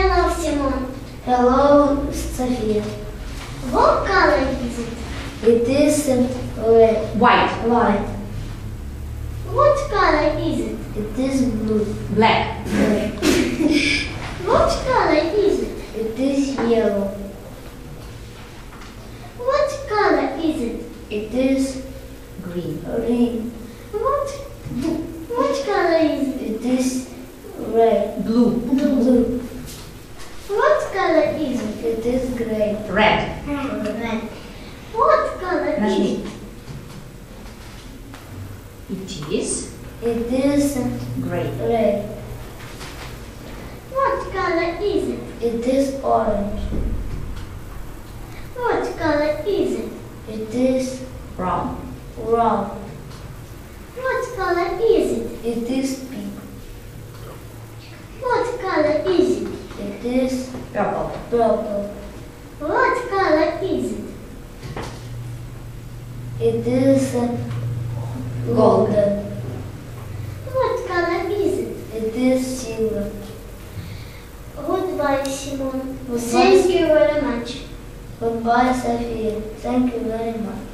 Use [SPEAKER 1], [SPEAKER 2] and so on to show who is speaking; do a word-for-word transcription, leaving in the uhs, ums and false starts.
[SPEAKER 1] Hello, Simon.
[SPEAKER 2] Hello, Sophia.
[SPEAKER 1] What color is it?
[SPEAKER 2] It is uh, red.
[SPEAKER 3] White.
[SPEAKER 2] White.
[SPEAKER 1] What color is it?
[SPEAKER 2] It is blue.
[SPEAKER 3] Black.
[SPEAKER 2] Red.
[SPEAKER 1] What color is it?
[SPEAKER 2] It is yellow.
[SPEAKER 1] What color is it?
[SPEAKER 2] It is
[SPEAKER 3] Green.
[SPEAKER 2] green.
[SPEAKER 1] What what color is it?
[SPEAKER 2] It is red.
[SPEAKER 3] Blue.
[SPEAKER 2] Blue.
[SPEAKER 1] What color is it?
[SPEAKER 2] It is gray.
[SPEAKER 3] Red.
[SPEAKER 1] Red. What color is
[SPEAKER 3] Нажми.
[SPEAKER 1] it?
[SPEAKER 3] It is
[SPEAKER 2] It is
[SPEAKER 3] gray.
[SPEAKER 2] red.
[SPEAKER 1] What color is it?
[SPEAKER 2] It is orange.
[SPEAKER 1] What color is it?
[SPEAKER 2] It is
[SPEAKER 3] Brown.
[SPEAKER 2] brown.
[SPEAKER 1] What color is it?
[SPEAKER 2] It is pink.
[SPEAKER 1] What color is it?
[SPEAKER 2] It is
[SPEAKER 3] Purple.
[SPEAKER 2] purple.
[SPEAKER 1] What color is it?
[SPEAKER 2] It is uh, golden.
[SPEAKER 1] What color is it?
[SPEAKER 2] It is silver.
[SPEAKER 1] Goodbye, Simon.
[SPEAKER 2] Goodbye.
[SPEAKER 1] Thank you very much.
[SPEAKER 2] Goodbye, Sophia. Thank you very much.